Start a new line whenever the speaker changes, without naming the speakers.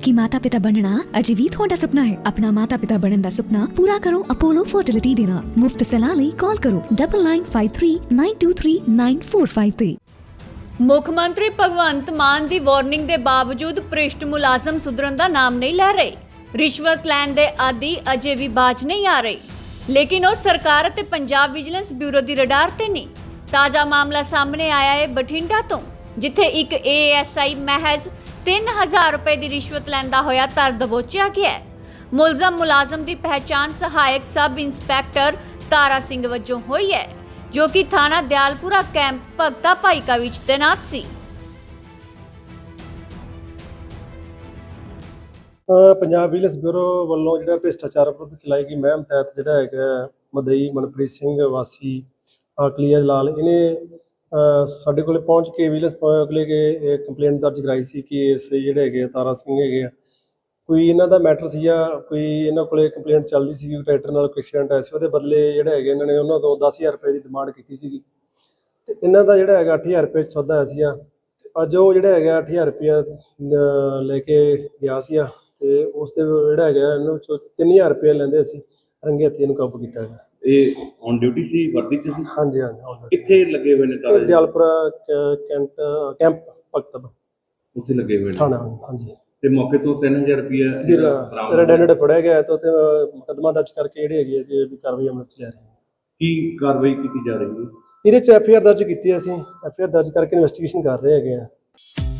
कि माता पिता बनना अजे भी थोड़ा सपना है। अपना माता पिता बनने का सपना पूरा करो अपोलो फर्टिलिटी दे नाल। मुफ्त सलाह लई कॉल करो 9953923945
ਮੁੱਖ ਮੰਤਰੀ ਭਗਵੰਤ ਮਾਨ ਦੀ ਵਾਰਨਿੰਗ ਦੇ ਬਾਵਜੂਦ ਭ੍ਰਿਸ਼ਟ ਮੁਲਾਜ਼ਮ ਸੁਧਰਨ ਦਾ ਨਾਮ ਨਹੀਂ ਲੈ ਰਹੇ। ਰਿਸ਼ਵਤ ਲੈਣ ਦੇ ਆਦੀ ਅਜੇ ਵੀ ਬਾਜ ਨਹੀਂ ਆ ਰਹੇ, ਲੇਕਿਨ ਉਹ ਸਰਕਾਰ ਅਤੇ ਪੰਜਾਬ ਵਿਜੀਲੈਂਸ ਬਿਊਰੋ ਦੀ ਰਡਾਰ ਤੇ ਨਹੀਂ। ਤਾਜ਼ਾ ਮਾਮਲਾ ਸਾਹਮਣੇ ਆਇਆ ਹੈ ਬਠਿੰਡਾ ਤੋਂ, ਜਿੱਥੇ ਇੱਕ ASI ਮਹਿਜ਼ 3000 ਰੁਪਏ ਦੀ ਰਿਸ਼ਵਤ ਲੈਂਦਾ ਹੋਇਆ ਧਰ ਦਬੋਚਿਆ ਗਿਆ। ਮੁਲਾਜ਼ਮ ਦੀ ਪਹਿਚਾਣ ਸਹਾਇਕ ਸਬ ਇੰਸਪੈਕਟਰ ਤਾਰਾ ਸਿੰਘ ਵਜੋਂ ਹੋਈ ਹੈ, ਜੋ ਕਿ ਥਾਣਾ ਦਿਆਲਪੁਰਾ ਕੈਂਪ ਭਗਤਾ ਭਾਈਕਾ ਵਿੱਚ ਤੈਨਾਤ ਸੀ।
ਪੰਜਾਬ ਵਿਜੀਲੈਂਸ ਬਿਊਰੋ ਵੱਲੋਂ ਜਿਹੜਾ ਭ੍ਰਿਸ਼ਟਾਚਾਰ ਵਿਰੁੱਧ ਚਲਾਈ ਗਈ ਮੁਹਿੰਮ ਤਹਿਤ ਜਿਹੜਾ ਹੈਗਾ ਮਦਈ ਮਨਪ੍ਰੀਤ ਸਿੰਘ ਵਾਸੀ ਆਕਲੀਆ ਜਲਾਲ, ਇਹਨੇ ਸਾਡੇ ਕੋਲੇ ਪਹੁੰਚ ਕੇ ਵਿਜੀਲੈਂਸ ਕੋਲੇ ਕੇ ਕੰਪਲੇਂਟ ਦਰਜ ਕਰਾਈ ਸੀ ਕਿ ਇਸ ਜਿਹੜੇ ਹੈਗੇ ਤਾਰਾ ਸਿੰਘ ਹੈਗੇ ਆ, ਕੋਈ ਇਹਨਾਂ ਦਾ ਮੈਟਰ ਸੀ ਜਾਂ ਕੋਈ ਇਹਨਾਂ ਕੋਲੇ ਕੰਪਲੇਂਟ ਚੱਲਦੀ ਸੀ ਕਿ ਟਰੈਕਟਰ ਨਾਲ ਕੋਈ ਐਕਸੀਡੈਂਟ ਆਇਆ ਸੀ। ਉਹਦੇ ਬਦਲੇ ਜਿਹੜਾ ਹੈਗੇ ਇਹਨਾਂ ਨੇ ਉਹਨਾਂ ਤੋਂ 10000 ਰੁਪਏ ਦੀ ਡਿਮਾਂਡ ਕੀਤੀ ਸੀਗੀ ਤੇ ਇਹਨਾਂ ਦਾ ਜਿਹੜਾ ਹੈਗਾ 8000 ਰੁਪਏ ਸੌਦਾ ਹੋਇਆ ਸੀਗਾ। ਤੇ ਅੱਜ ਉਹ ਜਿਹੜਾ ਹੈਗਾ 8000 ਰੁਪਇਆ ਲੈ ਕੇ ਗਿਆ ਸੀਗਾ ਤੇ ਉਸ ਦੇ ਜਿਹੜਾ ਹੈਗਾ ਇਹਨੂੰ 3000 ਰੁਪਏ ਲੈਂਦੇ ਅਸੀਂ ਰੰਗੇ ਹੱਥੀਂ ਇਹਨੂੰ ਕਾਬੂ ਕੀਤਾ ਹੈਗਾ।
ਇਹ ਔਨ ਡਿਊਟੀ ਸੀ, ਵਰਦੀ ਚ ਸੀ?
ਹਾਂਜੀ ਹਾਂਜੀ।
ਕਿੱਥੇ ਲੱਗੇ ਹੋਏ ਨੇ ਤਾਰੇ?
ਦਿਆਲਪੁਰਾ ਕੈਂਪ ਭਗਤ
ਉੱਥੇ ਲੱਗੇ ਹੋਏ ਨੇ
ਥਾਣਾ। ਹਾਂਜੀ।
ਤੇ ਮੌਕੇ ਤੋਂ 3000 ਰੁਪਇਆ
ਰੈਡ ਫੜਿਆ ਗਿਆ ਤੇ ਉੱਥੇ ਮੁਕੱਦਮਾ ਦਰਜ ਕਰਕੇ ਜਿਹੜੇ ਹੈਗੇ ਅਸੀਂ ਵੀ ਕਾਰਵਾਈ ਅਮਲ ਚ ਲੈ ਰਹੇ ਹਾਂ।
ਕੀ ਕਾਰਵਾਈ ਕੀਤੀ ਜਾ ਰਹੀ ਹੈ?
ਇਹਦੇ ਚ FIR ਦਰਜ ਕੀਤੀ ਅਸੀਂ। FIR ਦਰਜ ਕਰਕੇ ਇਨਵੈਸਟੀਗੇਸ਼ਨ ਕਰ ਰਹੇ ਹੈਗੇ ਆ।